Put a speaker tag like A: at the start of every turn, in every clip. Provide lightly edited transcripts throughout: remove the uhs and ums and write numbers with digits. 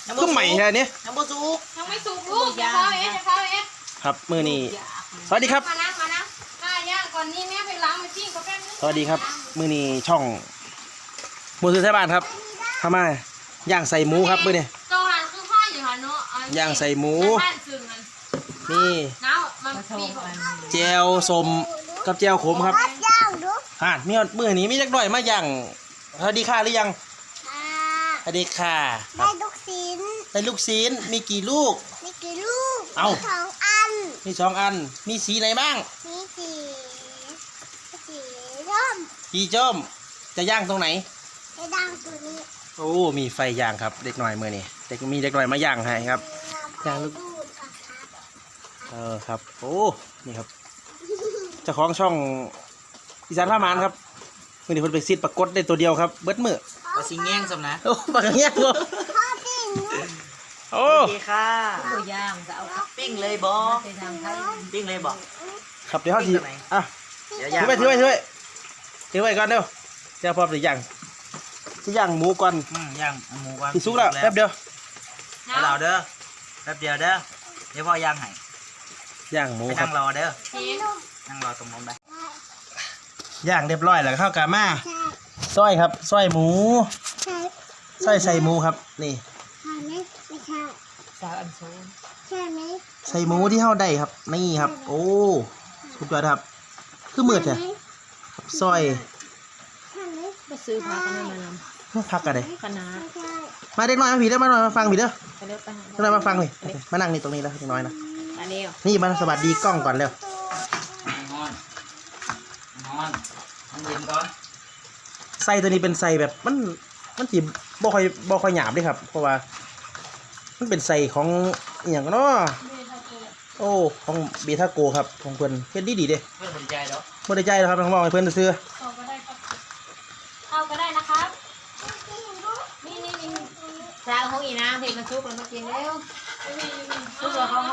A: ก็ใหม่แค่นี้
B: ยังบ่สุก
C: ยังไม่สุกลูกจะเข้าเอ๊ะจะเข้าเอ๊ะ
A: ครับมือนี้สวัสดีครับ
C: มานะข้าย่างก่อนนี่แม่ไปล้างไปปิ้งก็แป๊บนึง
A: สวัสดีครับมือนี้ช่องมือถือไทยบ้านครับเข้ามาย่างใส่หมูครับมือนี้
C: ตรงนั้นคือพ่ออยู่หันเนาะ
A: ย่างใส่หมู
C: บ้านซึ่งมัน
A: นี่
C: น้ามันปีก
A: แจวสมกับแจวขมครับมีมือนี้มีจักหน่อยมาย่างสวัสดีค่ะหรือยังสวัสดีค่ะค
D: ได้
A: รับ
D: ลูกชิ้น
A: ได้ลูกศิลมีกี่ลูก
D: มีกี่ลูก
A: เอ้า
D: สองอัน
A: มี2 อันมีสีไหนบ้าง
D: มีสีร่ม
A: สีจ้มจะย่างตรงไหน
D: ในดังตัวนี้
A: โอ้มีไฟย่างครับเด็กหน่อยมือนี้มีเด็กหน่อยมาย่างให้ครับ ย่างลูก
D: ดูดค่ะครับ
A: ครับโอ้นี่ครับเจ้าของช่องอีสานผ้ามานครับมือนี้เพิ่นไปซิดปรากฏได้ตัวเดียวครับเบิดมือ
B: ปลาสิงแง่งสำนะ
A: โอ้ปากเงี้ยกู
D: พ่อปิ้ง
A: โอ้
B: โอเคค่ะ
E: ตัวย่างจะเอา
B: ปิ้งเลยบ่
E: ไปทางไทย
B: ปิ้งเลยบ่
A: ครับเดี๋ยวเขาทีอ่ะ
B: เดี๋ยว
A: ถื
B: ย่าง
A: อไว้ก่อนเร็วเดี๋ยวพอไปย่างที่ย่างหมูก่อน
B: ย่างหมูก่อน
A: ที่สุกแล้วแป๊บเดียว
B: เอาเราเด้อแป๊บเดียวเด้อเดี๋ยวพ่อย่างให้
A: ย่างหมู
B: ไป
A: ครั
B: นั่
A: บ
B: งรอเด้อ
C: นี่
B: นั่งรอตรงนู้นไป
A: ย่างเรียบร้อยแล้วก็เข้ากามา
D: ใช่
A: ซอยครับซอยหมู
D: ใช่
A: ใส่หมูครับนี่
D: ใช่ไหมไม่ใช่
E: สาวอันโซน
D: ใช่ไหม
A: ใส่หมูที่เฮาได้ครับนี่ครับ โอ้สุดยอดครับคือมืดเนี่ยซอย
D: ใช่ไหม
E: ก็ซื้อพากันมาน
A: พักกันเลย
E: ำคณะ
D: ไม่ใช่
A: มาเด็กน้อยมาผีเด้อมาหน่อยมาฟังผีเด้อ
E: ไปเร็วไปหา
A: เด็กน้อยมาฟังเลยมานั่งนี่ตรงนี้แล้วเด็กน้อยนะ
E: อันนี้
A: นี่มาสวัสดีกล้องก่อนเร็ว
B: นอนมันเย็นก่อน
A: ไส้ตัวนี้เป็นไส้แบบมันจีบ่ค่อยหยาบเลยครับ เพราะว่ามันเป็นไส้ของอหย่างเนาะโอ้ของเบทาโกครับของเพิ่นเฮ็ดดีเด้
B: เพื่อนสนใจแล้ว
A: บ่ได้ใจหรอกครับน้องๆให้เพิ่นซื้อ
C: เอาก็ได้ครับเอาก็ได้นะครับนี่
E: สาวของอีนางเพลงมันซุกแล้วมากินเร็วซุกแล้วเขา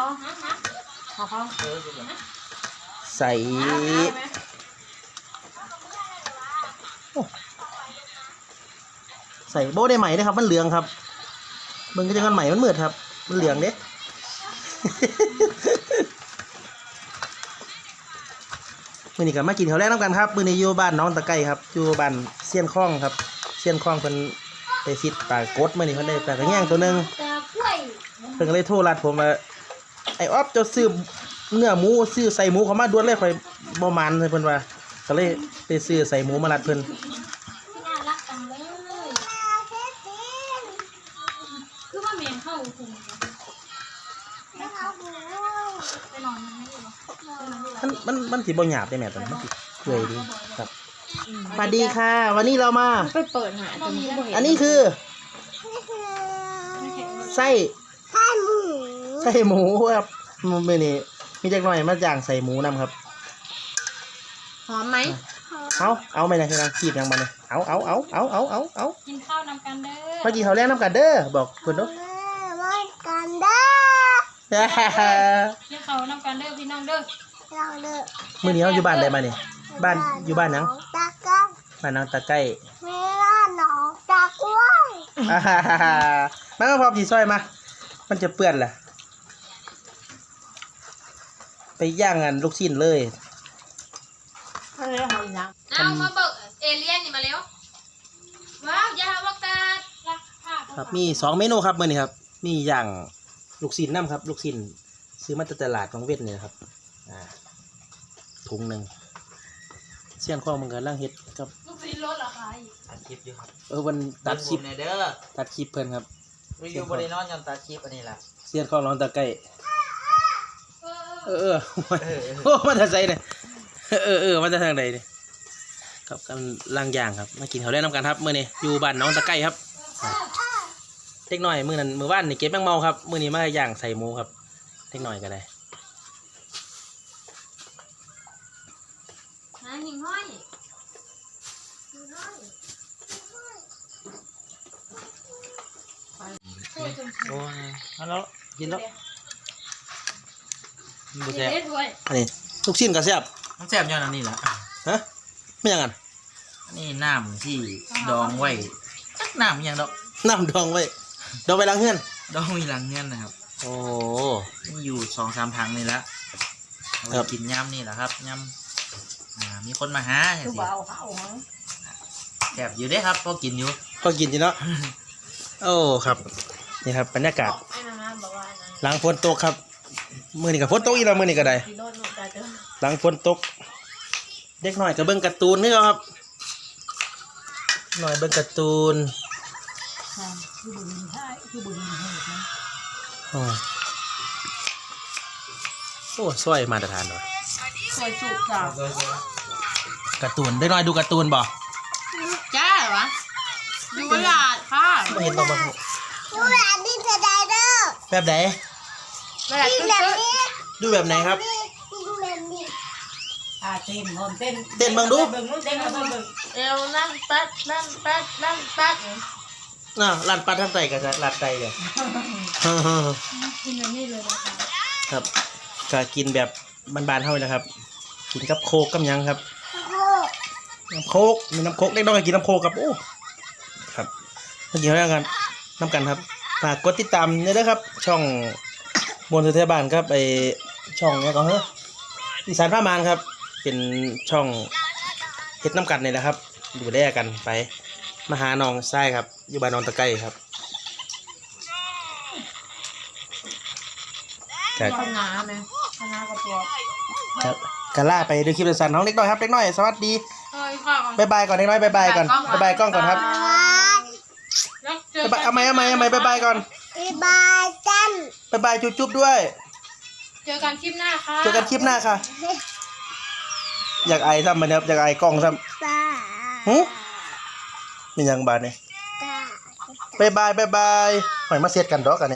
B: สุกแล้ว
A: ใส่ใส่โบได้ใหม่เลยครับมันเหลืองครับเบิ่งก็จะมันใหม่มันมืดครับมันเหลืองเด้ มื้อนี้ก็มากินข้าวแรกน้ำกันครับมื้อนี้อยู่บ้านน้องตะไก่ครับอยู่บ้านเซียนคล้องครับเซียนคล้องเพิ่นไปซิดปลากดมื้อนี้เพิ่นได้ปลากระแยงตัวหนึง
D: ตากล้วย
A: เพิ่นก็เลยโทรรัดผมว่าไอ้ออฟเจ้าซื้อเนื้อหมูซื้อใส่หมูเข้ามาด่วนเลยข่อยบ่มานเลยเพิ่นว่าก็เลยไปซื้อใส่หมูมารัดเพิ่น
C: น่ารักจังเลย
D: เค้กปิ้ง
C: คือว่าเมียนเข้าคุม
D: แล้วเอาหมู
C: ไปนอนมันไม่อยู่หรอ
A: มันสิบ่หยาบได้แม่ตอนมันสิเปื่อยดีครับสวัสดีค่ะ วันนี้เรามา
E: ไปเปิดหาตรงนี้ก็บ่เห็น
A: อันนี้คือ
D: นี่คือ
A: ไส้
D: ไส้หมู
A: ไส้หมูครับมื้อนี้มีจักหน่อยมาย่างใส่หมูนํครับ
E: หอมไหม
A: เอาไหมนะคือนางคีบยังมาเนี่ยเอา
C: กินข้าวนำกันเด้อ
A: มากินข้าวแรกน้ำกันเด้อบอกเพิ่นเนาะ
D: ไว้กันเด้อ
C: กินข้าวนำกันเด้อพี่น้องเด้อ
D: เราเด้อ
A: มื้อนี้เราอยู่บ้านใดมาเนี่ยบ้านอยู่บ้านหยัง
D: ตากัง
A: บ้านนางตะไก่
D: เวลาหนองตากล้วย
A: มาพร้อมสีซอยมา มันจะเปื้อนแหละไปย่างกันลูกชิ้นเลย
E: ถ้าเร็วหอมอีนาง
C: เอามาเบิกเอเลี่ยนนี่มาแล้วว้าวยาวักกาดรักภาพ
A: ครับมี2เมนูครับมื้อนี้ครับ มีย่างลูกชิ้นน้ำครับ ลูกชิ้นซื้อมาจากตลาดของเวทนี่นะครับถุงหนึ่งเสี้ยนข้องมันกำลังเฮ็ดครับ
C: ลูกศิษย์รถเหรอคะ
B: ตัดคลิปอยู่ครับ
A: วันตัดคลิป
B: ในเด้อ
A: ตัดคลิปเพิ่นครับ
B: วิวบริโนอนยันตัดคลิปอันนี้แหละ
A: เสี้ยนข้องน้องตะไก่
C: เออ
A: เออโอ้มาจากไสเนี่ยมาจากทางใดเนี่ยครับกำลังล่างย่างครับมากินข้าวแลกน้ำกันครับมื้อนี้อยู่บ้านน้องตะไก่ครับเล็กน้อยมื้อนั้นมื้อวานนี่เก็บแมงเมาครับมื้อนี้มาย่างใส่หมูครับเล็กน้อยก็ได้
C: หาหิ่งห้อย
A: โอ้ยเอาแล้วกินแล้ว
B: มัน
C: เด็
B: แซ่บ
C: ดด้วย
A: อันนี้ลูกชิ้นก็แซ่บ
B: มันแซ่บย้อนอันนี้แหละ
A: ฮะไม่ยังกัน
B: อันนี้น้ำที่ดองไว้จักน้ำอิหยังดอก
A: น้ำดองไว้ดองไว้ล้างเฮือน
B: ดองมีหลังเงี้ยนะครับ
A: โอ้
B: มีอยู่2-3ถังนี่ละเอา
A: ครั
B: ไป
A: บ
B: กินย่ำนี่แหละครับย่ำมีคนมาหาจัง
E: คือ
B: สิ
E: บ่เอาข้าวมั้ง
B: แซ่บอยู่เด้ครับพอกินอยู่
A: ก็กินจีเนาะ โอ้ครับนี่ครับบรรยากาศ
E: ไอ้น้ำน้ำบอกว่านะ
A: หลังฝนตกครับมื้อนี้ก็ฝนตกอีกแล้วมื้อนี้ก็ได้
E: กินโดนลูกตาเจอ
A: หลังฝนตก เด็กน้อยก็เบิ่งการ์ตูนนี่ครับหน่อยเบิ่งการ์ตูน
E: คือบุญใช่คือบุญเหตุนะ
A: อ๋อโอ้สวยมาตรฐานเลย
E: สวยสุกจ้ะ
A: การ์ตูนเด็กน้อยดูการ์ตูนบ่
E: จ้าเหรอวะดูเวลาค่ะ
A: ไม่เห็นต้องมา
D: ดูแบบนี้จะได้เด้อ
A: แบบไหน
E: เวลา
D: กิน
E: ตึ๊
D: แบบ
E: ด
D: นี้
A: ดูแบบไหนครับ
D: กินแบบนี้
E: เต้นคนเต้น
A: เต้นเบิ่งดู
E: เบิ่งนู้นเต้นเบิ่งเอวนั่งปัดนั่งปัดนั่งปัด
A: น่ะลันปัดทางใต้ก็จะลัดใต้เลย
C: กินแบบนี้เลยนะคะ
A: ครับก็กินแบบบานๆเท่านี้นะครับ กินกับโคกกับหยังครับ
D: โอ้
A: น้ำโคกมีน้ำโคกเด็กน้อยก็กินน้ำโคกครับโอ้ครับเมื่อกี้เรากันน้ำกันครับฝากกดติดตามด้วยนะครับ ช่องบนสุเทพบ้านครับไอช่องเนี้ยก็เฮ้ยอีสานผ้ามานครับ เป็นช่องเฮ็ดน้ำกันนี่แหละครับดูแลกันไปมาหาน้องไส้ครับ อยู่บ้านนอนตะไคร้ครับครับ
E: ข้าวหนาไหมข้าวหนากระป๋อง
A: ครับกาล่าไปดูคลิปสั้นๆน้องเล็กน้อยครับเล็กน้อยสวัสดี
C: เฮ้ยค่ะ
A: บายบายก่อนเล็กน้อยบายบายก่อนบายบายกล้องก่อนครับ
C: แล้วเจอบ
A: ายบายเอาไหมบายบายก่อน
D: บ๊ายบายจัน
A: บายบายจุ๊บๆด้วย
C: เจอกันคลิปหน้าค่ะ
A: เจอกันคลิปหน้าค่ะ อยากไอซ้ำมันครับอยากไอกล้องซ้
D: ตา
A: ำหึมีหยังบาดเนี่ย
D: ตา
A: บายบายหอยมาเสียดกันดอกกัน